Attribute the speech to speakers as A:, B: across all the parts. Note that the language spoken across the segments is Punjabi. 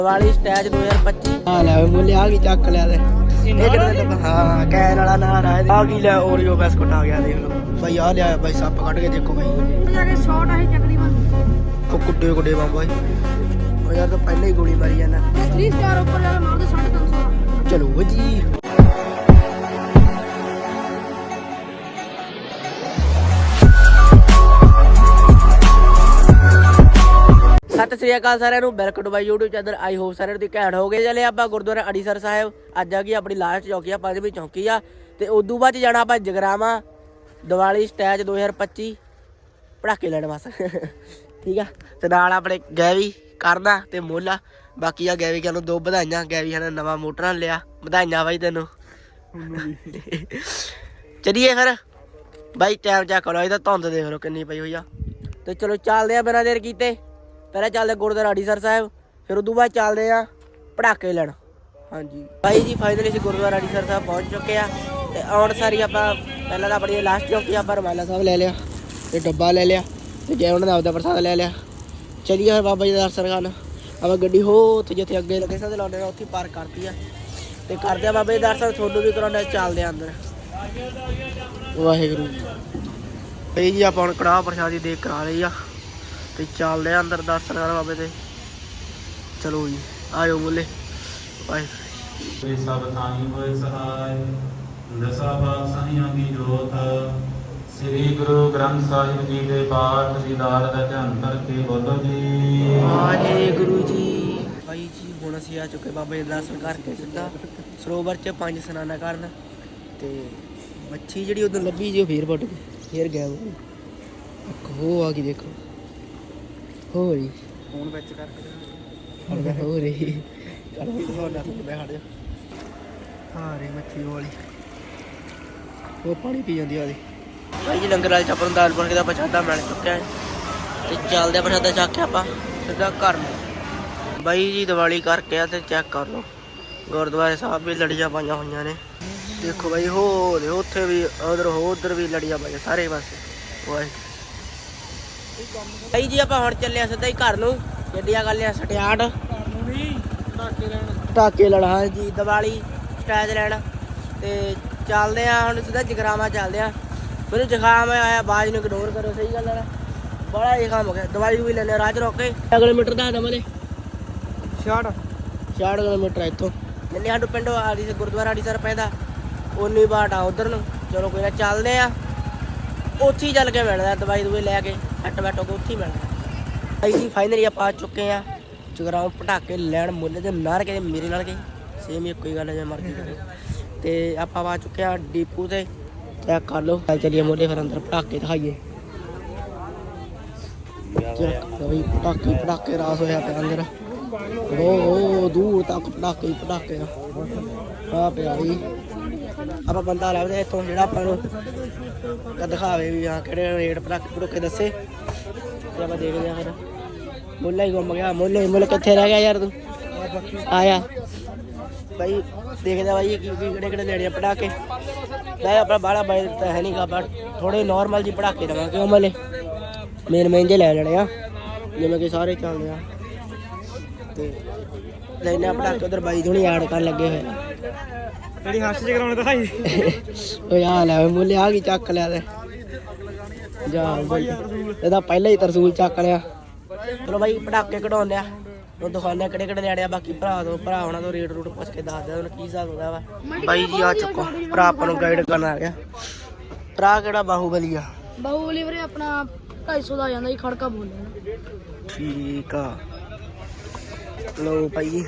A: ਦੀਵਾਲੀ ਸਟੈਜ 2025
B: ਹਾਂ ਲੈ ਮੁੱਲੇ ਆ ਕੀ ਚੱਕ ਲਿਆ ਤੇ ਇਹ ਕਿਹੜਾ ਹਾਂ ਕੈਨ ਵਾਲਾ ਨਾਰ ਆ ਕੀ ਲੈ ਓਰੀਓ ਬਿਸਕੁਟ ਆ ਗਿਆ ਦੇਖ ਲਓ ਭਾਈ ਆ ਲਿਆ ਭਾਈ ਸੱਪ ਕੱਢ ਕੇ ਦੇਖੋ ਭਾਈ
C: ਜਾ ਕੇ ਸ਼ਾਟ ਆਹੀ ਤਕਰੀਬਨ
B: ਉਹ ਕੁੱਡੇ ਕੁੱਡੇ ਬਾਬਾ ਉਹ ਯਾਰ ਤਾਂ ਪਹਿਲਾਂ ਹੀ ਗੋਲੀ ਮਾਰੀ ਜਾਂਦਾ
C: 3 ਸਟਾਰ ਉੱਪਰ ਜਾ ਕੇ ਮਾਰਦੇ 350
B: ਚਲੋ ਜੀ ਸਤਿ ਸ੍ਰੀ ਅਕਾਲ ਸਾਰਿਆਂ ਨੂੰ welcome to my YouTube channel I hope ਸਾਰਿਆਂ ਦੀ ਘੈਂਟ ਹੋ ਗਏ ਚਲੇ ਆਪਾਂ ਗੁਰਦੁਆਰਾ ਅੜੀਸਰ ਸਾਹਿਬ ਅੱਜ ਆ ਗਈ ਆਪਣੀ ਲਾਸਟ ਚੌਕੀ ਆ ਪੰਜਵੀਂ ਚੌਕੀ ਆ ਤੇ ਉਦੋਂ ਬਾਅਦ ਜਾਣਾ ਆਪਾਂ ਜਗਰਾਵਾਂ ਦੀਵਾਲੀ ਸਟੈਜ 2025 ਪੜਾਕੇ ਲੈਣ ਬਸ ਠੀਕ ਆ ਤੇ ਨਾਲ ਆਪਣੇ ਗੈਵੀ ਕਰਨਾ ਤੇ ਮੋਲਾ ਬਾਕੀ ਆ ਗੈਵੀ ਨੂੰ ਦੋ ਵਧਾਈਆਂ ਗੈਵੀ ਨੇ ਨਵਾਂ ਮੋਟਰ ਲਿਆ ਵਧਾਈਆਂ ਬਾਈ ਤੈਨੂੰ ਚਲੀਏ ਫਿਰ ਬਾਈ ਟਾਈਮ ਚੈੱਕ ਕਰੋ ਇਹਦਾ ਧੁੰਦ ਦੇਖ ਲਓ ਕਿੰਨੀ ਪਈ ਹੋਈ ਆ ਤੇ ਚਲੋ ਚੱਲਦੇ ਆ ਬਿਨਾਂ ਦੇਰ ਕੀਤੇ ਪਹਿਲਾਂ ਚੱਲਦੇ ਗੁਰਦੁਆਰਾ ਅੜੀਸਰ ਸਾਹਿਬ ਫਿਰ ਉਦੋਂ ਬਾਅਦ ਚੱਲਦੇ ਆ ਪੜਾਕੇ ਲੈਣ ਹਾਂਜੀ ਬਾਈ ਜੀ ਫਾਈਨਲੀ ਅਸੀਂ ਗੁਰਦੁਆਰਾ ਅੜੀਸਰ ਸਾਹਿਬ ਪਹੁੰਚ ਚੁੱਕੇ ਆ ਤੇ ਆਉਣ ਸਾਰੀ ਆਪਾਂ ਪਹਿਲਾਂ ਤਾਂ ਆਪਣੀ ਲਾਸਟ ਚੌਕੀ ਆਪਾਂ ਰਮਾਲਾ ਸਾਹਿਬ ਲੈ ਲਿਆ ਤੇ ਡੱਬਾ ਲੈ ਲਿਆ ਤੇ ਜੈ ਉਹਨਾਂ ਦਾ ਆਪਦਾ ਪ੍ਰਸਾਦ ਲੈ ਲਿਆ ਚਲੀਏ ਫਿਰ ਬਾਬਾ ਜੀ ਦਾ ਦਰਸ਼ਨ ਕਰਨ ਆਪਾਂ ਗੱਡੀ ਹੋ ਉੱਥੇ ਜਿੱਥੇ ਅੱਗੇ ਲੱਗੇ ਸਾਂ ਤੇ ਲਾਉਂਦੇ ਉੱਥੇ ਪਾਰਕ ਕਰਤੀ ਆ ਤੇ ਕਰਦੇ ਆ ਬਾਬਾ ਜੀ ਦਰਸ਼ਨ ਤੁਹਾਨੂੰ ਵੀ ਕਰਾਉਣਾ ਚੱਲਦੇ ਆ ਅੰਦਰ ਵਾਹਿਗੁਰੂ ਬਈ ਜੀ ਆਪਾਂ ਹੁਣ ਕੜਾਹ ਪ੍ਰਸ਼ਾਦੀ ਦੇਖ ਕਰਾ ਲਈ ਆ ਤੇ ਚੱਲਦੇ ਆ ਅੰਦਰ ਦਰਸ਼ਨ ਕਰਨ ਬਾਬੇ ਦੇ ਚਲੋ ਜੀ ਆਇਓ ਮੁੱਲੇ ਵਾਹਿਗੁਰੂ
D: ਸਭ ਥਾਈ ਹੋਏ ਸਹਾਇ ਦਸਾਂ ਪਾਤਸ਼ਾਹੀਆਂ ਦੀ ਜੋਤ ਸ੍ਰੀ ਗੁਰੂ ਗ੍ਰੰਥ ਸਾਹਿਬ ਜੀ ਦੇ ਪਾਠ ਦੀਦਾਰ ਦਾ ਧਿਆਨ ਕਰਕੇ ਬੋਲੋ ਜੀ
B: ਵਾਹਿਗੁਰੂ ਜੀ ਭਾਈ ਜੀ ਹੁਣ ਅਸੀਂ ਆ ਚੁੱਕੇ ਬਾਬਾ ਜੀ ਦੇ ਦਰਸ਼ਨ ਕਰਕੇ ਸਿੱਧਾ ਸਰੋਵਰ 'ਚ 5 ਇਸ਼ਨਾਨਾਂ ਕਰਨ ਤੇ ਮੱਛੀ ਜਿਹੜੀ ਉਦੋਂ ਲੱਭੀ ਜੀ ਉਹ ਫੇਰ ਵੱਟ ਗਈ ਫੇਰ ਗਿਆ ਉਹ ਆ ਗਈ ਦੇਖੋ ਹੋ ਰਹੀ ਫੋਨ ਵਿੱਚ ਕਰਕੇ ਹੋ ਰਹੀ ਚਲ ਵੀ ਤੁਹਾਡਾ ਮੈਂ ਹਟ ਜਾ ਹਾਂ ਰੇ ਮੱਛੀ ਵਾਲੀ ਉਹ ਪਾਣੀ ਪੀ ਜਾਂਦੀ ਆਦੀ ਭਾਈ ਜੀ ਲੰਗਰ ਵਾਲੇ ਚੱਪਲ ਦਾਲ ਬਣ ਕੇ ਦਾ ਪ੍ਰਸ਼ਾਦਾ ਮਿਲ ਚੁੱਕਿਆ ਹੈ ਤੇ ਚੱਲਦੇ ਆ ਪ੍ਰਸ਼ਾਦਾ ਚੱਕ ਕੇ ਆਪਾਂ ਸਿੱਧਾ ਘਰ ਨੂੰ ਬਾਈ ਜੀ ਦੀਵਾਲੀ ਕਰਕੇ ਆ ਤੇ ਚੈੱਕ ਕਰ ਲਓ ਗੁਰਦੁਆਰੇ ਸਾਹਿਬ ਵੀ ਲੜੀਆਂ ਪਾਈਆਂ ਹੋਈਆਂ ਨੇ ਦੇਖੋ ਬਾਈ ਹੋ ਉੱਥੇ ਵੀ ਉਧਰ ਵੀ ਲੜੀਆਂ ਪਾਈਆਂ ਸਾਰੇ ਪਾਸੇ ਵਾਹਿਗੁਰੂ ਭਾਈ ਜੀ ਆਪਾਂ ਹੁਣ ਚੱਲੇ ਸਿੱਧਾ ਹੀ ਘਰ ਨੂੰ ਗੱਡੀਆਂ ਕਰ ਲਿਆ ਸਟਿਆਰਟ ਪਟਾਕੇ ਲੈਣ ਹਾਂਜੀ ਦੀਵਾਲੀ ਸਟੈਜ ਲੈਣ ਤੇ ਚੱਲਦੇ ਆ ਹੁਣ ਸਿੱਧਾ ਜਗਰਾਵਾਂ ਚੱਲਦੇ ਆ ਮੈਨੂੰ ਜ਼ੁਕਾਮ ਆਇਆ ਆਵਾਜ਼ ਨੂੰ ਇਗਨੋਰ ਕਰੋ ਸਹੀ ਗੱਲ ਹੈ ਬੜਾ ਜ਼ੁਕਾਮ ਹੋ ਗਿਆ ਦਵਾਈ ਵੀ ਲੈਣੇ ਰਾਜ ਰੋਕ ਕੇ ਕਿਲੋਮੀਟਰ ਦਾ ਦਮਲੇ 66 ਕਿਲੋਮੀਟਰ ਇੱਥੋਂ ਜਿੰਨੇ ਸਾਨੂੰ ਪਿੰਡੋਂ ਆੜੀ ਸੇ ਗੁਰਦੁਆਰਾ ਅੜੀਸਰ ਪੈਂਦਾ ਉਨੀ ਬਾਟ ਆ ਉਧਰ ਨੂੰ ਚਲੋ ਕੋਈ ਨਾ ਚੱਲਦੇ ਆ ਉੱਥੇ ਹੀ ਚੱਲ ਕੇ ਮਿਲਦਾ ਦਵਾਈ ਦਵਾਈ ਲੈ ਕੇ ਹੱਟ ਬੈਠੋ ਕੇ ਉੱਥੇ ਹੀ ਮਿਲਦਾ ਅਸੀਂ ਫਾਈਨਲੀ ਆਪਾਂ ਆ ਚੁੱਕੇ ਆ ਜਗਰਾਵਾਂ ਪਟਾਕੇ ਲੈਣ ਮੁੱਲੇ ਦੇ ਨਾਰ ਕੇ ਮੇਰੇ ਨਾਲ ਗਏ ਸੇਮ ਹੀ ਕੋਈ ਗੱਲ ਹੈ ਜੇ ਮਰਜ਼ੀ ਕਰੇ ਤੇ ਆਪਾਂ ਆ ਚੁੱਕੇ ਆ ਡੀਪੂ ਤੇ ਚੈੱਕ ਕਰ ਲਓ ਚੱਲੀਏ ਮੁੱਲੇ ਫਿਰ ਅੰਦਰ ਪਟਾਕੇ ਦਿਖਾਈਏ ਪਟਾਕੇ ਰਾਸ ਹੋਇਆ ਪਿਆ ਅੰਦਰ ਉਹ ਦੂਰ ਤੱਕ ਪਟਾਕੇ ਆ ਪਿਆ ਜੀ ਆਪਾਂ ਬੰਦਾ ਲੱਭਦੇ ਇੱਥੋਂ ਜਿਹੜਾ ਆਪਾਂ ਨੂੰ ਦਿਖਾਵੇ ਵੀ ਹਾਂ ਕਿਹੜੇ ਰੇਟ ਪਟਾਕੇ ਦੱਸੇ ਤੇ ਆਪਾਂ ਦੇਖਦੇ ਆ ਫਿਰ ਮੁੱਲਾ ਹੀ ਗੁੰਮ ਗਿਆ ਮੁੱਲ ਕਿੱਥੇ ਰਹਿ ਗਿਆ ਯਾਰ ਤੂੰ ਆਇਆ ਬਾਈ ਦੇਖਦਾ ਬਾਈ ਕਿਹੜੇ ਲੈਣੇ ਆ ਪਟਾਕੇ ਲੈ ਆਪਣਾ ਬਾਹਲਾ ਬਾਈ ਤਾਂ ਹੈ ਨਹੀਂ ਗਾ ਬਟ ਥੋੜੇ ਨੋਰਮਲ ਜੀ ਪਟਾਕੇ ਦੇਵਾਂਗੇ ਉਹ ਮਲੇ ਮੇਨ ਮਹਿੰਗੇ ਲੈ ਲੈਣੇ ਆ ਜਿਵੇਂ ਕਿ ਸਾਰੇ ਚੱਲਦੇ ਆ ਤੇ ਲੈਣੇ ਆ ਪਟਾਕੇ ਉਧਰ ਬਾਈ ਥੋੜੀ ਐਡ ਕਰਨ ਲੱਗੇ ਹੋਏ ਆ
A: ਜਿਹੜੀ ਹੱਸ ਚ ਕਰਾਉਣੇ ਦਿਖਾਈ
B: ਓਏ ਆ ਲੈ ਮੁੱਲੇ ਆ ਕੀ ਚੱਕ ਲਿਆ ਤੇ ਜਾ ਇਹਦਾ ਪਹਿਲਾਂ ਹੀ ਤਰਸੂਲ ਚੱਕ ਲਿਆ ਚਲੋ ਬਾਈ ਪਟਾਕੇ ਕਢਾਉਂਦੇ ਆ ਉਹ ਦਿਖਾਉਂਦੇ ਕਿਹੜੇ ਲੈਣੇ ਆ ਬਾਕੀ ਭਰਾ ਹੋਣਾ ਤੋਂ ਰੇਟ ਰੂਟ ਪੁੱਛ ਕੇ ਦੱਸ ਦੇ ਕੀ ਹਿਸਾਬ ਹੁੰਦਾ ਵਾ ਬਾਈ ਜੀ ਆ ਚੁੱਕੋ ਭਰਾ ਆਪਾਂ ਨੂੰ ਗਾਈਡ ਕਰਨ ਆ ਗਿਆ ਭਰਾ ਕਿਹੜਾ ਬਾਹੂਬਲੀ ਆ
C: ਬਾਹੂਬਲੀ ਵੀਰੇ ਆਪਣਾ 250 ਦਾ ਆ ਜਾਂਦਾ ਜੀ ਖੜਕਾ ਬੋਲਣਾ
B: ਠੀਕ ਆ ਲੋ ਭਾਈ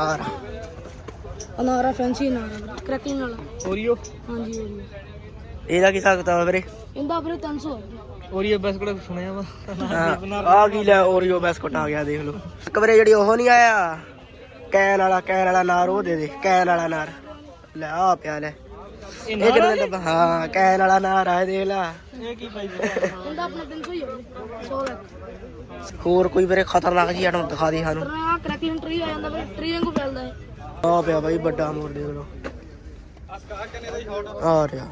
C: ਅਨਾਰਾ ਫੈਂਸੀ ਅਨਾਰਾ ਕ੍ਰੈਕਿੰਗ ਵਾਲਾ
B: ਓਰੀਓ
C: ਹਾਂਜੀ ਓਰੀਓ
B: ਇਹਦਾ ਕੀ ਹਿਸਾਬ ਕਿਤਾਬ ਵੀਰੇ
C: ਇਹਦਾ ਵੀਰੇ 300
A: ਓਰੀਓ ਬਿਸਕੁਟ ਸੁਣਿਆ ਵਾ
B: ਆ ਕੀ ਲੈ ਓਰੀਓ ਬਿਸਕੁਟ ਆ ਗਿਆ ਦੇਖ ਲਓ ਇੱਕ ਵਾਰੀ ਜਿਹੜੀ ਉਹ ਨਹੀਂ ਆਇਆ ਕੈਨ ਵਾਲਾ ਨਾਰ ਉਹ ਦੇ ਕੈਨ ਵਾਲਾ ਨਾਰ ਲੈ ਆ ਪਿਆ ਲੈ ਇਹ ਕਿੰਨੇ ਦਾ ਹਾਂ ਕੈਨ ਵਾਲਾ ਨਾਰ ਆ ਦੇਖ ਲਾ
A: ਇਹ ਕੀ ਪਾਈ
C: ਇਹਦਾ ਆਪਣਾ 300 ਹੀ ਆ 100 ਲੱਖ
B: ਹੋਰ ਕੋਈ ਵੀਰੇ ਖਤਰਨਾਕ ਜੀ ਆਟਮ ਦਿਖਾ ਦੇ ਸਾਨੂੰ
C: ਆ ਕ੍ਰੈਕਿੰਗ ਟਰੀ ਆ ਜਾਂਦਾ ਵੀਰੇ ਟਰੀ ਵਾਂਗੂ ਫੈਲਦਾ ਹੈ
B: ਆ ਪਿਆ ਬਾਈ ਵੱਡਾ ਮੋਰ ਦੇਖ ਲਓ ਆ ਰਿਹਾ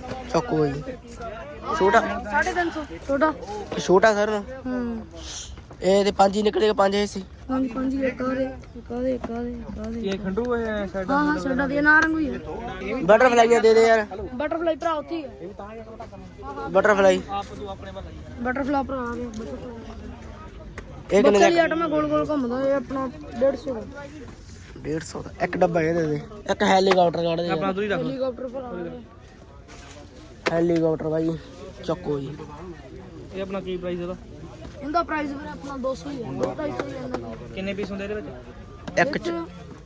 B: ਚੱਕੋ ਜੀ ਛੋਟਾ
C: 350 ਛੋਟਾ
B: ਛੋਟਾ ਸਰ
C: ਹੂੰ
B: ਇਹ ਤੇ 5 ਹੀ ਨਿਕਲੇ 5 ਹਿੱਸੇ
C: ਪੰਜ ਪੰਜ ਹੀ ਇੱਕ ਆਦੇ
A: ਇਹ ਖੰਡੂ ਹੈ ਸਾਈਡ
C: ਹਾਂ ਸਾਡਾ ਦੇ ਨਾਰੰਗ ਵੀ ਹੈ
B: ਬਟਰਫਲਾਈਆਂ ਦੇ ਦੇ ਯਾਰ
C: ਬਟਰਫਲਾਈ ਭਰਾ ਉੱਥੇ ਹੀ ਹੈ
B: ਬਟਰਫਲਾਈ
A: ਆਪ ਤੂੰ ਆਪਣੇ ਵੱਲ ਆਈ
C: ਬਟਰਫਲਾਈ ਭਰਾ ਆ ਗਿਆ ਬਟਰਫਲਾਈ
B: ਇਹ ਕਿੰਨੇ ਦਾ
C: ਬੱਕਰੀ ਆਟਾ ਮੈਂ ਗੋਲ ਗੋਲ ਘੁੰਮਦਾ ਇਹ ਆਪਣਾ 150 ਦਾ
B: 150 ਦਾ ਇੱਕ ਡੱਬਾ ਇਹ ਦੇ ਦੇ ਇੱਕ ਹੈਲੀਕਾਪਟਰ ਕੱਢ ਦੇ
A: ਆਪਣਾ ਦੂਰੀ ਰੱਖ
C: ਹੈਲੀਕਾਪਟਰ ਭਰਾ
B: ਹੈਲੀਕਾਪਟਰ ਬਾਈ ਚੱਕੋ ਜੀ
A: ਇਹ ਆਪਣਾ ਕੀ ਪ੍ਰਾਈਸ ਇਹਦਾ
C: ਇਹਦਾ ਪ੍ਰਾਈਸ ਵੀਰੇ ਆਪਣਾ 200 ਹੀ ਹੈ 250 ਹੀ ਹੈ ਇਹਦਾ
A: ਕਿੰਨੇ ਪੀਸ ਹੁੰਦੇ ਇਹਦੇ ਵਿੱਚ
B: ਇੱਕ ਚ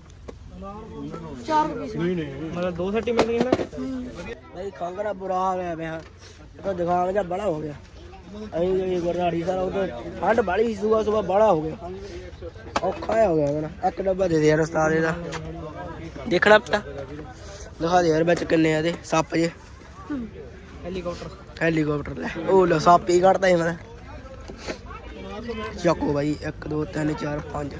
C: 4 ਪੀਸ
A: ਮਤਲਬ 2 ਸੈਟ ਹੀ ਮਿਲਣਗੇ ਨਾ
B: ਬਾਈ ਖਾਂਗਰਾ ਬੁਰਾ ਹੋ ਗਿਆ ਪਿਆ ਤਾਂ ਦਿਖਾਂਗ ਜਾਂ ਬੜਾ ਹੋ ਗਿਆ ਅਸੀਂ ਜਿਹੜੀ ਗੁਰਨਾੜੀ ਸਾਰਾ ਉਹ ਠੰਡ ਬਾਲੀ ਸੁਬਾ ਸੁਬਾ ਬੜਾ ਹੋ ਗਿਆ ਔਖਾ ਹੋ ਗਿਆ ਨਾ ਇੱਕ ਡੱਬਾ ਦੇ ਦੇ ਯਾਰ ਉਸਤਾਦ ਇਹਦਾ ਦੇਖਣਾ ਪਤਾ ਦਿਖਾ ਦੇ ਯਾਰ ਵਿੱਚ ਕਿੰਨੇ ਆ ਇਹਦੇ ਸੱਪ ਜੇ ਹੈਲੀਕਾਪਟਰ ਲੈ ਉਹ ਲੋ ਸੱਪ ਹੀ ਕੱਢਦਾ ਸੀ ਮੈਂ ਚੱਕੋ ਬਾਈ 1 2 3 4 5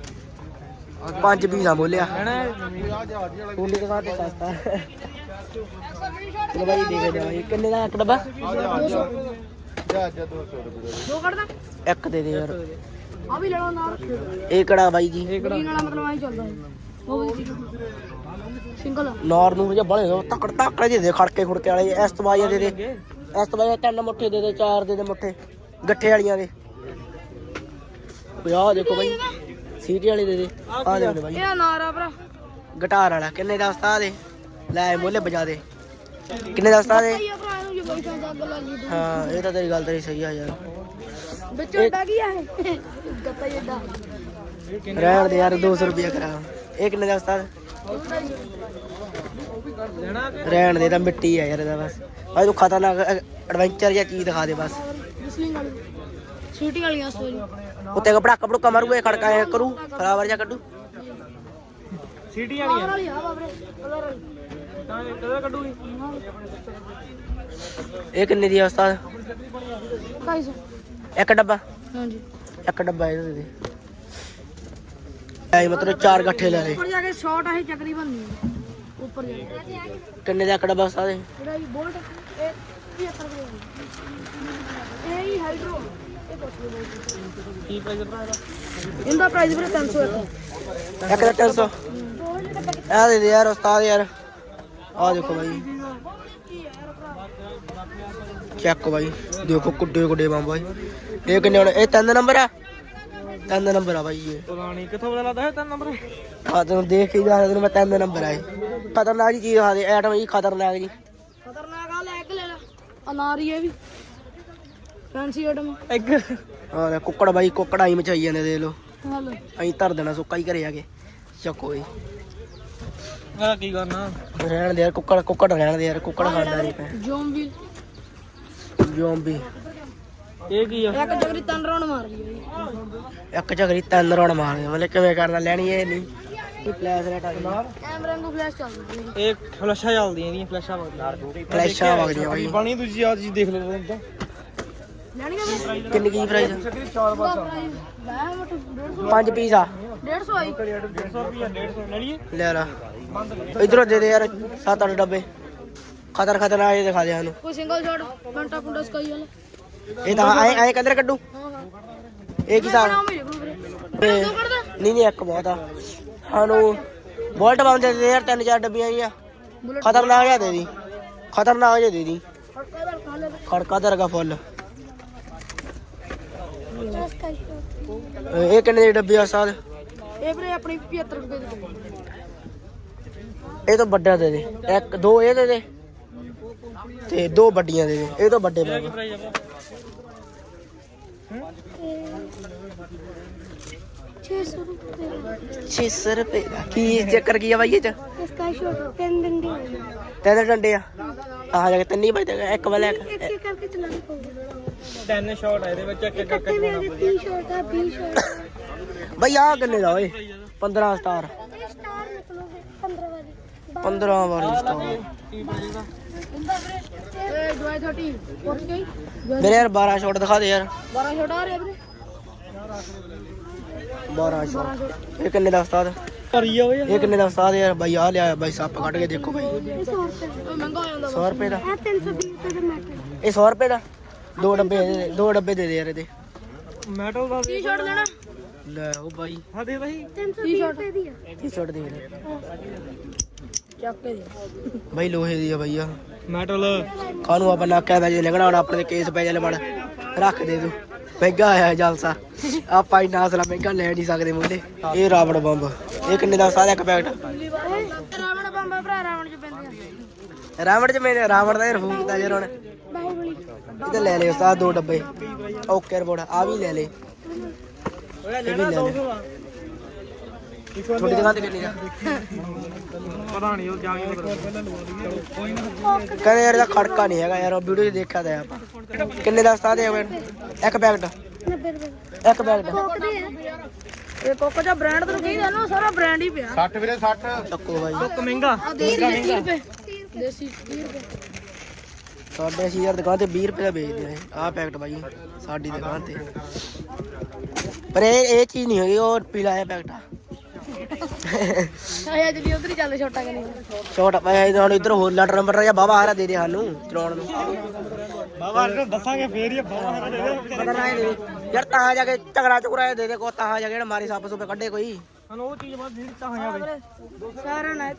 B: 5 ਪੀਸਾਂ ਬੋਲਿਆ ਕੁੰਡੀ ਦੇ ਘਾਟੇ ਸਸਤਾ ਚਲੋ ਬਾਈ ਦੇ ਦੇ ਬਾਈ ਕਿੰਨੇ ਦਾ ਇੱਕ ਡੱਬਾ
C: 200 ਦੋ ਕੱਢਦਾ
B: ਇੱਕ ਦੇ ਦੇ ਯਾਰ
C: ਆ ਵੀ ਲੈਣਾ ਨਾਲ
B: ਇਹ ਕਿਹੜਾ ਬਾਈ ਜੀ
C: ਗ੍ਰੀਨ ਵਾਲਾ ਮਤਲਬ ਆਈ ਚੱਲਦਾ ਹੈ ਉਹ ਵੀ ਸਿੰਗਲ
B: ਨਾਰ ਨੂੰ ਜਾਂ ਬੜੇ ਤਕੜ ਤਕੜ ਜਿਹੇ ਦੇ ਖੜਕੇ ਖੁੜਕੇ ਵਾਲੇ ਇਸ ਤੋਂ ਬਾਅਦ ਦੇ ਦੇ ਇਸ ਤੋਂ ਬਾਅਦ 3 ਮੁੱਠੇ ਦੇ ਦੇ 4 ਦੇ ਦੇ ਮੁੱਠੇ ਗੱਠੇ ਵਾਲੀਆਂ ਦੇ ਆਹ ਦੇਖੋ ਬਾਈ ਸੀਟੀ ਵਾਲੀ ਦੇ ਦੇ ਆ ਦੇ ਬਾਈ
C: ਇਹ ਨਾਰਾ ਭਰਾ
B: ਗਿਟਾਰ ਵਾਲਾ ਕਿੰਨੇ ਦਾ ਉਸਤਾਦ ਏ ਲੈ ਮੋਲੇ ਵਜਾ ਦੇ ਕਿੰਨੇ ਦਾ ਉਸਤਾਦ ਏ
C: ਇਹ ਭਰਾ ਨੂੰ ਜੇ ਬੈਠਾ ਜੱਗ ਲੱਗੀ
B: ਹਾਂ ਇਹ ਤਾਂ ਤੇਰੀ ਗੱਲ ਤੇਰੀ ਸਹੀ ਆ ਯਾਰ
C: ਵਿੱਚੋਂ ਡਾ ਕੀ ਆ ਇਹ ਗੱਤਾ ਜਿੱਡਾ
B: ਰਹਿਣ ਦੇ ਯਾਰ 200 ਰੁਪਿਆ ਕਰਾ ਇਹ ਕਿੰਨੇ ਦਾ ਉਸਤਾਦ ਰਹਿਣ ਦੇ ਤਾਂ ਮਿੱਟੀ ਆ ਯਾਰ ਇਹਦਾ ਬਸ ਅੱਜ ਤੂੰ ਖਤਰਨਾਕ ਐਡਵੈਂਚਰ ਜਾਂ ਚੀਜ਼ ਦਿਖਾ ਦੇ ਬਸ
C: ਰਿਸਲਿੰਗ ਵਾਲੀ ਸ਼ੂਟਿੰਗ ਵਾਲੀਆਂ ਸਟੋਰੀ
B: ਉੱਤੇ ਕਪੜਾ ਕਪੜੂਕਾ ਮਾਰੂਗਾ ਖੜਕਾ ਐ ਕਰੂ ਫਲਾਵਰ ਜਾਂ ਕੱਢੂ
A: ਸਿਟੀ
C: ਪਾਵਰ ਵਾਲੀ ਆ ਬਾਬਰੇ ਕਲਰ ਵਾਲੀ
A: ਤਾਂ ਕਦੋਂ ਕੱਢੂਗੀ
B: ਇਹ ਕਿੰਨੇ ਦੀ ਆ ਉਸਤਾਦ
C: 250
B: ਇੱਕ ਡੱਬਾ
C: ਹਾਂਜੀ
B: ਇੱਕ ਡੱਬਾ ਇਹਦਾ ਦੇ ਦੇ ਐ ਮਤਲਬ 4 ਗੱਠੇ ਲੈ ਲੈ
C: ਉੱਪਰ ਜਾ ਕੇ ਸ਼ਾਟ ਆਹੀ ਚੱਕਰੀ ਬਣਨੀ ਹੈ ਉੱਪਰ ਜਾ ਕੇ
B: ਕਿੰਨੇ ਦਾ ਇੱਕ ਡੱਬਾ ਉਸਤਾਦ ਇਹ
C: ਜਿਹੜਾ ਇਹ ਬੋਲਟ ਇਹ 75 ਰੁਪਏ ਇਹ ਹੀ ਹਾਈਡਰੋ ਇਹ ਕੁਛ ਨਹੀਂ
A: ਕੀ ਪ੍ਰਾਈਸ ਭਰਾ ਇਹਦਾ
C: ਇਹਦਾ ਪ੍ਰਾਈਸ ਵੀਰੇ 300
B: ਇੱਕ ਦਾ 300 ਆ ਦੇ ਦੇ ਯਾਰ ਉਸਤਾਦ ਯਾਰ ਆ ਦੇਖੋ ਬਾਈ ਚੈੱਕ ਬਾਈ ਦੇਖੋ ਕੁੱਡੇ ਕੁੱਡੇ ਬੰਬ ਬਾਈ ਇਹ ਕਿੰਨੇ ਹੁਣ ਇਹ 3 ਨੰਬਰ ਆ 3 ਨੰਬਰ ਆ ਬਾਈ ਇਹ
A: ਪਤਾ ਨਹੀਂ ਕਿੱਥੋਂ ਪਤਾ ਲੱਗਦਾ ਹੈ 3 ਨੰਬਰ
B: ਆ ਤੈਨੂੰ ਦੇਖ ਕੇ ਦੱਸ ਤੈਨੂੰ ਮੈਂ 3 ਨੰਬਰ ਆਏ ਖਤਰਨਾਕ ਜੀ ਚੀਜ਼ ਆ ਦੇ ਐਟਮ ਜੀ ਖਤਰਨਾਕ ਜੀ
C: ਖਤਰਨਾਕ ਆ ਲੈ ਕੇ ਲੈ ਲੈ ਅਨਾਰੀ ਇਹ ਵੀ ਫੈਂਸੀ ਆਈਟਮ
A: ਇੱਕ
B: ਆ ਕੁੱਕੜ ਬਾਈ ਕੁੱਕੜਾਂ ਹੀ ਮਚਾਈ ਜਾਂਦੇ ਦੇਖ ਲੋ
C: ਹਲ
B: ਅਸੀਂ ਧਰ ਦੇਣਾ ਸੁੱਕਾ ਹੀ ਘਰੇ ਆ ਕੇ ਚੱਕੋ ਜੀ
A: ਆ ਕੀ ਕਰਨਾ
B: ਰਹਿਣ ਦੇ ਯਾਰ ਕੁੱਕੜ ਰਹਿਣ ਦੇ ਯਾਰ ਕੁੱਕੜ ਖਾਂਦਾ ਨਹੀਂ ਪੈ
C: ਜ਼ੋਂਬੀ
B: ਜ਼ੋਂਬੀ
A: ਇਹ ਕੀ ਆ
C: ਇੱਕ ਜਗਰੀ ਤਨ ਰਾਉਣ ਮਾਰ ਲਈ
B: ਇੱਕ ਝਗਰੀ 3 ਰੌਣ ਮਾਰਦੇ ਮਤਲਬ ਕਿਵੇਂ ਕਰਨਾ ਲੈਣੀ ਇਹ ਨਹੀਂ ਇਹ ਫਲੈਸ਼ ਰੇਟ ਆ
C: ਕੈਮਰੇ ਨੂੰ ਫਲੈਸ਼ ਚੱਲਦੀ ਹੈ
A: ਇਹ ਫਲੈਸ਼ਾਂ ਚੱਲਦੀਆਂ ਇਹਦੀਆਂ ਫਲੈਸ਼ਾਂ ਵਗਦੀਆਂ
B: ਫਲੈਸ਼ਾਂ ਵਗਦੀਆਂ ਬਾਈ
A: ਪਾਣੀ ਦੂਜੀ ਆ ਚੀਜ਼ ਦੇਖ ਲੈ ਤਾਂ
C: ਲੈਣੀ ਆ ਮੈਂ
B: ਕਿੰਨੀ ਕੀ ਪ੍ਰਾਈਸ
C: ਲੈ ਮਟ 150
B: 5 ਪੀਸ ਆ
C: 150 ਆਈ
A: 150 ਰੁਪਿਆ 150 ਲੈ ਲਈਏ
B: ਲੈ ਲਾ ਇਧਰੋਂ ਦੇ ਦੇ ਯਾਰ 7-8 ਡੱਬੇ ਖਤਰਨਾਕ ਇਹ ਦਿਖਾ ਦੇ ਸਾਨੂੰ
C: ਕੋਈ ਸਿੰਗਲ ਸ਼ਾਟ ਘੰਟਾ ਕੁੰਡਾ ਸਕਾਈ ਵਾਲਾ
B: ਇਹ ਤਾਂ ਐ ਕੰਦਰ ਕੱਢੂ
C: ਹਾਂ ਹਾਂ
B: ਇਹ ਕੀ ਹਿਸਾਬ
C: ਬਣਾਓ ਮੇਰੇ ਕੋਲ ਵੀਰੇ
B: ਇਹ-
C: ਦੋ ਕੱਢਦਾ
B: ਨਹੀਂ ਇੱਕ ਬਹੁਤ ਆ ਸਾਨੂੰ ਬੋਲਟ ਬੰਦ ਦੇ ਦੇ ਯਾਰ 3-4 ਡੱਬੀਆਂ ਆਈਆਂ ਖਤਰਨਾਕ ਜਿਹਾ ਦੇ ਦੀ ਖਤਰਨਾਕ ਜਿਹਾ ਦੇ ਦੀ
C: ਖੜਕਾ ਦਾ ਖਾ ਲੈ
B: ਖੜਕਾ ਦਰਗਾ ਫੁੱਲ ਇਹ ਕਿੰਨੇ ਦੀ ਡੱਬੀ ਆ ਸਾਦ
C: ਇਹ ਵੀਰੇ ਆਪਣੀ 75 ਰੁਪਏ ਦੀ ਪਈ।
B: ਇਹ ਤੋਂ ਵੱਡਾ ਦੇ ਦੇ ਇੱਕ ਦੋ ਇਹ ਦੇ ਦੇ ਤੇ 2 ਵੱਡੀਆਂ ਦੇ ਦੇ ਇਹ ਤੋਂ ਵੱਡੇ ਪਾ
A: ਪ੍ਰਾਈਸ ਆ
B: 600 ਰੁਪਏ ਦਾ ਕੀ ਚੱਕਰ ਕੀ ਆ ਬਾਈ ਇਹ ਚ
C: इसका शॉट 3 डंडे
B: ਤਿੰਨ ਡੰਡੇ ਆ ਆ ਜਾ ਕੇ ਤਿੰਨ ਹੀ ਵੱਜਦੇ ਇੱਕ ਵਾਲਾ
C: एक एक करके चलाना पड़ेगा
A: 10 ਸ਼ਾਟ ਆ ਇਹਦੇ ਵਿੱਚ ਇੱਕ ਇੱਕ
C: इकट्ठे भी आगे 30 शॉट है 20 शॉट
B: ਬਈ ਆ ਕਿੰਨੇ ਦਾ ਓਏ 15 ਸਟਾਰ
C: स्टार निकलोगे 15 वाली
B: 15 ਵਾਲੀ ਸਟਾਰ
C: ए डॉय 30 पहुंच गई
B: ਮੇਰੇ ਯਾਰ 12 ਸ਼ਾਟ ਦਿਖਾ ਦੇ ਯਾਰ
C: 12 शॉट आ रहे वीरे
B: 12 ਸ਼ਾਟ ਇਹ ਕਿੰਨੇ ਦਾ ਉਸਤਾਦ
A: ਭਰੀ ਆ ਓਏ
B: ਇਹ ਕਿੰਨੇ ਦਾ ਉਸਤਾਦ ਯਾਰ ਬਾਈ ਆ ਲਿਆ ਬਾਈ ਸੱਪ ਕੱਢ ਕੇ ਦੇਖੋ ਬਾਈ
C: 100 रुपए महंगा हो जाता
B: 100 ਰੁਪਏ ਦਾ
C: है 320 रुपए का मैटर
B: ਇਹ 100 ਰੁਪਏ ਦਾ 2 ਡੱਬੇ ਦੇ ਦੇ 2 ਡੱਬੇ ਦੇ ਦੇ ਯਾਰ ਇਹਦੇ
A: ਮੈਟਲ ਦਾ
C: ਟੀ-ਸ਼ਰਟ ਲੈਣਾ
B: ਲੈ ਉਹ ਬਾਈ
A: ਹਾਂ ਦੇ ਭਾਈ
C: 320 ਰੁਪਏ ਦੀ ਆ
B: ਟੀ-ਸ਼ਰਟ ਦੇ ਲੈ
C: ਚੱਕ ਕੇ ਦੇ
B: ਬਾਈ ਲੋਹੇ ਦੀ ਆ ਬਾਈ ਆ
A: ਮੈਟਲ
B: ਕਾਹਨੂੰ ਆਪਾਂ ਨਾਕਿਆ ਪੈ ਜੇ ਲੱਗਣਾ ਹੁਣ ਆਪਣੇ ਤੇ ਕੇਸ ਪੈ ਜਾਲੇ ਮੜ ਰੱਖ ਦੇ ਤੂੰ ਮਹਿੰਗਾ ਆਇਆ ਜਲਸਾ ਆਪਾਂ ਇੰਨਾ ਅਸਲਾ ਮਹਿੰਗਾ ਲੈ ਨਹੀਂ ਸਕਦੇ ਮੁੰਡੇ ਇਹ ਰਾਵਣ ਬੰਬ ਇਹ ਕਿੰਨੇ ਦਾ ਸਾਰਾ ਇੱਕ ਪੈਕਟ
C: ਰਾਵਣ ਬੰਬਾ ਭਰਾ ਰਾਵਣ ਚ ਪੈਂਦੇ ਆ
B: ਰਾਵਣ ਚ ਮੇਰੇ ਰਾਵਣ ਦਾ ਰਫੂ ਕੀਤਾ ਯਾਰ ਹੁਣ
C: ਬਾਹੂਬਲੀ
B: ਇਹਦੇ ਲੈ ਲੈ ਉਸਤਾਦ 2 ਡੱਬੇ ਓਕੇ ਰਿਪੋਰਟ ਆ ਵੀ ਲੈ ਲੈ
A: ਓਏ ਲੈਣਾ 200 ਆ
B: ਛੋਟੀ ਦੁਕਾਨ ਤੇ ਕਿੰਨੀ ਦਾ
A: ਪਤਾ ਨਹੀਂ ਉਹ ਜਾ ਕੇ ਕੋਈ ਨਾ
B: ਕਹਿੰਦੇ ਯਾਰ ਇਹਦਾ ਖੜਕਾ ਨਹੀਂ ਹੈਗਾ ਯਾਰ ਉਹ ਵੀਡੀਓ 'ਚ ਦੇਖਿਆ ਤਾਂ ਆਪਾਂ ਕਿੰਨੇ ਦਾ ਉਸਤਾਦ ਹੈ ਇੱਕ ਪੈਕਟ
C: 90 ਰੁਪਏ
B: ਇੱਕ ਪੈਕਟ
C: ਕੋਕ ਦੇ ਆ ਇਹ ਕੋਕ ਦਾ ਬ੍ਰਾਂਡ ਤੈਨੂੰ ਕਹੀਦਾ ਨਾ ਸਾਰਾ ਬ੍ਰਾਂਡ ਹੀ ਪਿਆ
D: 60 ਵੀਰੇ 60
B: ਚੱਕੋ ਬਾਈ
A: ਇੱਕ ਮਹਿੰਗਾ
C: ਆ ਦੇਸੀ 30 ਰੁਪਏ ਦੇਸੀ 30 ਰੁਪਏ
B: ਸਾਡੇ ਅਸੀਂ ਯਾਰ ਦੁਕਾਨ ਤੇ 20 ਰੁਪਏ ਦਾ ਵੇਚਦੇ ਨੇ ਆਹ ਪੈਕਟ ਬਾਈ ਸਾਡੀ ਦੁਕਾਨ ਤੇ ਪਰ ਇਹ ਚੀਜ਼ ਨਹੀਂ ਹੈਗੀ ਉਹ ਪੀਲਾ ਜਿਹਾ ਪੈਕਟ ਆ
C: ਆਇਆ ਜਲੀ ਉਧਰ ਹੀ ਚੱਲ ਛੋਟਾ ਕਰੀ
B: ਛੋਟਾ ਪਾਇਆ ਹੁਣ ਇੱਧਰ ਹੋਰ ਲੈਟਰ ਨੰਬਰ ਜਾਂ ਬਾਬਾ ਹਾਰਾ ਦੇ ਦੇ ਸਾਨੂੰ ਚਲਾਉਣ ਨੂੰ
A: ਬਾਬਾ ਨੂੰ ਦੱਸਾਂਗੇ ਫੇਰ ਹੀ ਬਾਬਾ ਹਰਾ ਦੇ ਦੇ
B: ਪਤਾ ਨਾ ਦੇ ਯਾਰ ਤਾਂ ਜਾ ਕੇ ਝਗੜਾ ਝੁਗੜਾ ਦੇ ਦੇ ਕੋ ਤਾਂ ਜਾ ਕੇ ਮਾਰੀ ਸੱਪ ਸੁਪੇ ਕੱਢੇ ਕੋਈ
A: ਸਾਨੂੰ ਉਹ ਚੀਜ਼ ਬਾਅਦ ਨਹੀਂ ਤਾਂ ਜਾਵੇ
C: ਸਾਰਾ ਨਾ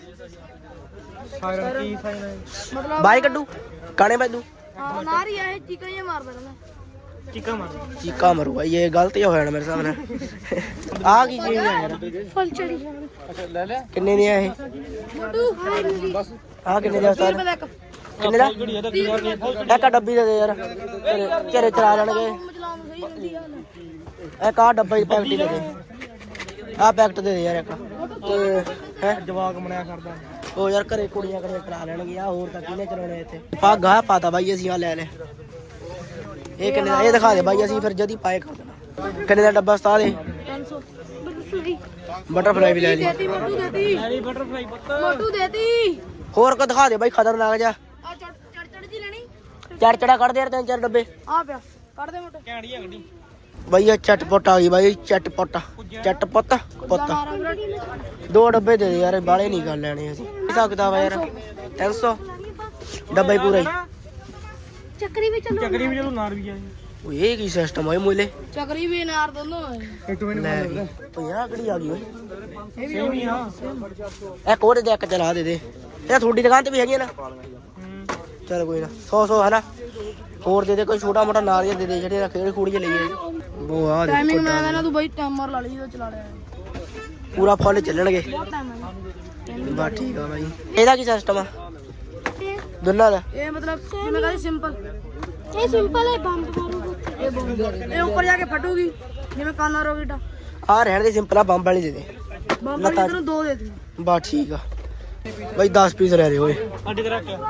A: ਸਾਇਰਨ ਕੀ ਸਾਈਨ ਹੈ
C: ਮਤਲਬ
B: ਬਾਈ ਕੱਢੂ ਕਾਣੇ ਬਾਜੂ
C: ਹਾਂ ਨਾਰੀ ਆ ਇਹ ਚੀਕਾਂ ਜਿਹਾ ਮਾਰਦਾ ਰਹਿੰਦਾ
A: ਚੀਕਾ ਮਾਰ
B: ਚੀਕਾ ਮਰੂ ਬਾਈ ਇਹ ਗਲਤ ਹੀ ਹੋਇਆ ਮੇਰੇ ਸਾਹਮਣੇ ਆ ਕੀ ਚੀਜ਼ ਹੈ ਯਾਰ
C: ਫੁੱਲ ਚੜੀ
D: ਲੈ ਲੈ
B: ਕਿੰਨੇ ਦੀ ਆ ਇਹ
C: ਮੋਟੂ ਹਾਈ ਨਹੀਂ ਬਸ
B: ਆ ਕਿੰਨੇ ਦਾ ਉਸਤਾਦ
C: ਰੁਪਏ ਦਾ ਇੱਕ
B: ਕਿੰਨੇ ਦਾ
A: ਘੜੀ ਇਹਦਾ ਕੀ ਯਾਰ ਨਹੀਂ
B: ਇੱਕ ਡੱਬੀ ਦੇ ਦੇ ਯਾਰ ਘਰੇ ਚਲਾ ਲੈਣਗੇ
C: ਚਲਾਉਣ ਸਹੀ ਹੁੰਦੀ ਆ
B: ਇੱਕ ਆ ਡੱਬਾ ਹੀ ਪੈਕਟ ਹੀ ਦੇ ਦੇ ਆ ਪੈਕਟ ਦੇ ਦੇ ਯਾਰ ਇੱਕ ਤੇ ਹੈ
A: ਜਵਾਕ ਬਣਿਆ ਕਰਦਾ
B: ਉਹ ਯਾਰ ਘਰੇ ਕੁੜੀਆਂ ਕਰੇ ਕਰਾ ਲੈਣਗੇ ਆ ਹੋਰ ਤਾਂ ਕਿਹਨੇ ਚਲਾਉਣੇ ਇੱਥੇ ਪੱਗ ਆ ਪਾਤਾ ਬਾਈ ਅਸੀਂ ਆ ਲੈ ਲੈ ਇਹ ਕਿੰਨੇ ਦਾ ਇਹ ਦਿਖਾ ਦੇ ਬਾਈ ਅਸੀਂ ਫਿਰ ਜਦੀ ਪਾਏ ਕਰ ਦੇਣਾ ਕਿੰਨੇ ਦਾ ਡੱਬਾ ਉਸਤਾਦ ਇਹ
C: 300 ਬਟਰਫਲਾਈ
B: ਬਟਰਫਲਾਈ ਵੀ ਲੈ ਲਈ
C: ਦੇਤੀ ਮੋਟੂ ਦੇਤੀ
A: ਐਨੀ ਬਟਰਫਲਾਈ ਪੁੱਤ
C: ਮੋਟੂ ਦੇਤੀ
B: ਹੋਰ ਕੋ ਦਿਖਾ ਦੇ ਬਾਈ ਖਤਰਨਾਕ ਜਾ
C: ਆ ਚੜ ਜੀ ਲੈਣੀ
B: ਚੜ ਕੱਢ ਦੇ ਯਾਰ 3-4 ਡੱਬੇ
C: ਆ ਪਿਆ ਕੱਢ ਦੇ ਮੋਟੂ
A: ਕੈਂਡੀ ਆ ਗੱਡੀ
B: ਬਾਈ ਇਹ ਚਟਪਟ ਆ ਗਈ ਬਾਈ ਚਟਪਟ ਪੁੱਤ
C: ਮਾਰਾ ਵੀਰੋ
B: 2 ਡੱਬੇ ਦੇ ਦੇ ਯਾਰ ਬਾਲੇ ਨਹੀਂ ਗੱਲ ਲੈਣੇ ਅਸੀਂ ਸਕਦਾ ਵਾ ਯਾਰ 300 ਡੱਬਾ ਹੀ ਪੂਰਾ ਹੀ
C: ਚੱਕਰੀ ਵੀ ਚੱਲੋ
A: ਚੱਕਰੀ ਵੀ ਚਲੋ ਨਾਰ ਵੀ ਆ
B: ਓਏ ਇਹ ਕੀ ਸਿਸਟਮ ਹੋਏ ਮੁੱਲੇ
C: ਚੱਕਰੀ ਵੀ ਨਾਰ ਦੋਨੋਂ
A: ਇੱਕ ਮਿੰਟ
B: ਲੈ ਵੀ 50 ਕਿਹੜੀ ਆ ਗਈ ਓਏ
C: ਇਹ ਵੀ
A: ਸੇਮ ਹੀ ਆ
B: ਇੱਕ ਹੋਰ ਦੇ ਇੱਕ ਚਲਾ ਦੇ ਦੇ ਇਹ ਤੁਹਾਡੀ ਦੁਕਾਨ ਤੇ ਵੀ ਹੈਗੀ ਨਾ ਚਲ ਕੋਈ ਨਾ 100 ਹੈ ਨਾ ਹੋਰ ਦੇ ਦੇ ਕੋਈ ਛੋਟਾ ਮੋਟਾ ਨਾਰੀਅਲ ਦੇ ਦੇ ਜਿਹੜੇ ਖੇਡ ਖੂੜੀ ਚ ਲਈਏ ਉਹ ਆ ਦੇ
C: ਟਾਈਮਿੰਗ ਮੈਂ ਕਹਿੰਦਾ ਤੂੰ ਬਾਈ ਟਾਈਮਰ ਲਾ ਲਈ ਜਦੋਂ ਚਲਾ ਲਿਆ
B: ਪੂਰਾ ਫੁੱਲ ਚੱਲਣਗੇ
C: ਬਹੁਤ ਟਾਈਮ ਹੈ
B: ਬਸ ਠੀਕ ਆ ਬਾਈ ਇਹਦਾ ਕੀ ਸਿਸਟਮ ਆ ਦੋਨਾਂ ਦਾ
C: ਇਹ ਮਤਲਬ ਜਿਵੇਂ ਕਹਿੰਦੇ ਸਿੰਪਲ ਇਹ ਸਿੰਪਲ ਹੈ ਬੰਬ ਮਾਰੂਗਾ ਇਹ ਬੰਬ ਇਹ ਉੱਪਰ ਜਾ ਕੇ ਫਟੂਗੀ ਜਿਵੇਂ ਕਾਨਾ ਰੋਕੇਟਾ
B: ਆ ਰਹਿਣ ਦੇ ਸਿੰਪਲ ਆ ਬੰਬ ਵਾਲੀ ਦੇ ਦੇ
C: ਬੰਬ ਵਾਲੀ ਤੈਨੂੰ 2 ਦੇ ਦੇ
B: ਬਸ ਠੀਕ ਆ ਬਾਈ 10 ਪੀਸ ਲੈ ਦੇ ਓਏ
A: ਅੱਡੇ ਤੇ ਰੱਖ ਕੇ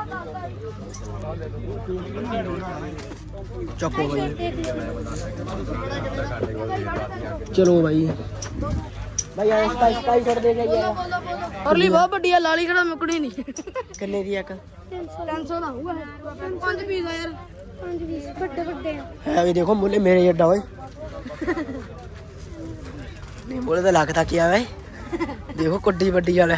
B: ਚੱਕੋ ਬਾਈ ਚਲੋ ਬਾਈ ਬਾਈ ਆ ਸਕਾਈ ਛੱਡ ਦੇ ਗਈ ਆ
C: ਔਰਲੀ ਬਹੁਤ ਵੱਡੀ ਆ ਲਾਲੀ ਕਿਹੜਾ ਮੁੱਕਣੀ ਨਹੀਂ
B: ਕਿੰਨੇ ਦੀ ਇੱਕ
C: 300 ਦਾ ਹੋਊਗਾ 5 ਪੀਸ ਆ ਯਾਰ 5 ਪੀਸ ਵੱਡੇ ਵੱਡੇ ਆ
B: ਹੈ ਵੀ ਦੇਖੋ ਮੁੱਲੇ ਮੇਰੇ ਜੱਡਾ ਓਏ ਨਹੀਂ ਮੁੱਲੇ ਤਾਂ ਲੱਗ ਤੱਕ ਆ ਵੇ ਦੇਖੋ ਕੁੱਡੀ ਵੱਡੀ ਵਾਲਾ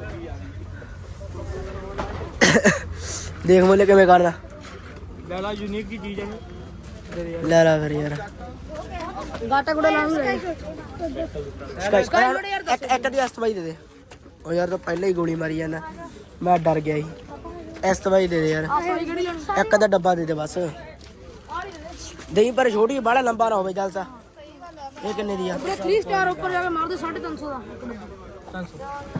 B: ਦੇਖ ਮੁੱਲੇ ਕਿਵੇਂ ਕਰਦਾ
A: ਲੈ ਲਾ ਯੂਨੀਕ ਦੀ ਚੀਜ਼ ਹੈ
B: ਲੈ ਲਾ ਫਿਰ ਯਾਰ
C: ਗਾਟਾ ਗੁੜਾ ਲਾਉਣ ਨੂੰ
B: ਇੱਕ ਦੀ ਅਸਤਬਾਈ ਦੇ ਦੇ ਉਹ ਯਾਰ ਤਾਂ ਪਹਿਲਾਂ ਹੀ ਗੋਲੀ ਮਾਰੀ ਜਾਂਦਾ ਮੈਂ ਡਰ ਗਿਆ ਸੀ ਅਸਤਬਾਈ ਦੇ ਦੇ ਯਾਰ
C: ਆ ਸੋਈ ਕਿਹੜੀ ਲੈਣੀ
B: ਇੱਕ ਦਾ ਡੱਬਾ ਦੇ ਦੇ ਬਸ ਦਹੀਂ ਪਰ ਛੋਟੀ ਬਾਹਲਾ ਲੰਬਾ ਨਾ ਹੋਵੇ ਜਲਸਾ ਇਹ ਕਿੰਨੇ ਦੀ ਆ
C: ਆਪਣੇ 3 ਸਟਾਰ ਉੱਪਰ ਜਾ ਕੇ ਮਾਰ ਦੇ 350 ਦਾ ਇੱਕ ਡੱਬਾ
A: 300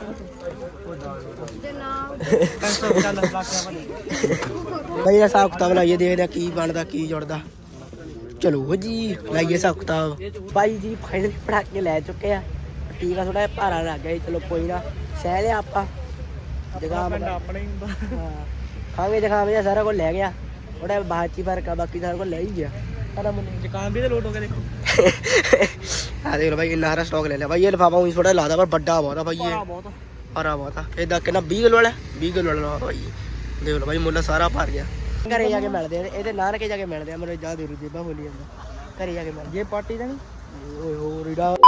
C: ਤੇ ਨਾਮ
A: 300 ਚੱਲ ਲੱਗ ਗਿਆ
B: ਬਈ ਇਹ ਹਿਸਾਬ ਕਿਤਾਬ ਲਾਈਏ ਦੇਖਦੇ ਆ ਕੀ ਬਣਦਾ ਕੀ ਜੁੜਦਾ ਚਲੋ ਜੀ ਲਾਈਏ ਹਿਸਾਬ ਕਿਤਾਬ ਬਾਈ ਜੀ ਫਾਈਨਲ ਪੜਾ ਕੇ ਲੈ ਚੁੱਕੇ ਆ ਟੀਕਾ ਥੋੜਾ ਜਿਹਾ ਭਾਰਾ ਲੱਗ ਗਿਆ ਜੀ ਚਲੋ ਕੋਈ ਨਾ ਸਹਿ ਲਿਆ ਆਪਾਂ ਜਗ੍ਹਾ
A: ਪਿੰਡ ਆਪਣੇ ਹੀ ਹੁੰਦਾ
B: ਹਾਂ ਖਾਵੇ ਦਿਖਾਵੇ ਜਿਹਾ ਸਾਰਾ ਕੁਝ ਲੈ ਗਿਆ ਥੋੜਾ ਬਾਅਦ ਚ ਹੀ ਫਰਕ ਆ ਬਾਕੀ ਸਾਰਾ ਕੁਝ ਲੈ ਹੀ ਗਿਆ ਸਾਰਾ ਮੈਨੂੰ
A: ਜ਼ੁਕਾਮ ਵੀ ਤੇ ਲੋਟ ਹੋ ਗਿਆ ਦੇਖੋ
B: ਆ ਦੇਖ ਲਓ ਭਾਈ ਇੰਨਾ ਹਰਾ ਸਟਾਕ ਲੈ ਲਿਆ ਭਾਈ ਇਹ ਲਿਫਾਫਾ ਉਹੀ ਥੋੜਾ ਲਾਦਾ ਪਰ ਵੱਡਾ ਬਹੁਤ ਆ ਭਾਈ ਇਹ
A: ਬਹੁਤ
B: ਹਰਾ ਬਹੁਤ ਆ ਇਹਦਾ ਕਿੰਨਾ 20 ਕਿਲੋ ਵਾਲਾ 20 ਕਿਲੋ ਵਾਲਾ ਲਿਫਾਫਾ ਭਾਈ ਦੇਖ ਲਓ ਭਾਈ ਮੁੱਲ ਸਾਰਾ ਭਰ ਗਿਆ ਘਰੇ ਜਾ ਕੇ ਮਿਲਦੇ ਆ ਇਹਦੇ ਨਾਨਕੇ ਜਾ ਕੇ ਮਿਲਦੇ ਆ ਮੇਰੇ ਜਾ ਦੇ ਰੂ ਜੇਬਾਂ ਬੋਲੀ ਜਾਂਦਾ ਘਰੇ ਜਾ ਕੇ ਮਿਲ
A: ਇਹ ਪਾਰਟੀ ਦਾ ਨਹੀਂ
B: ਓਏ ਹੋ ਰੀਡਾ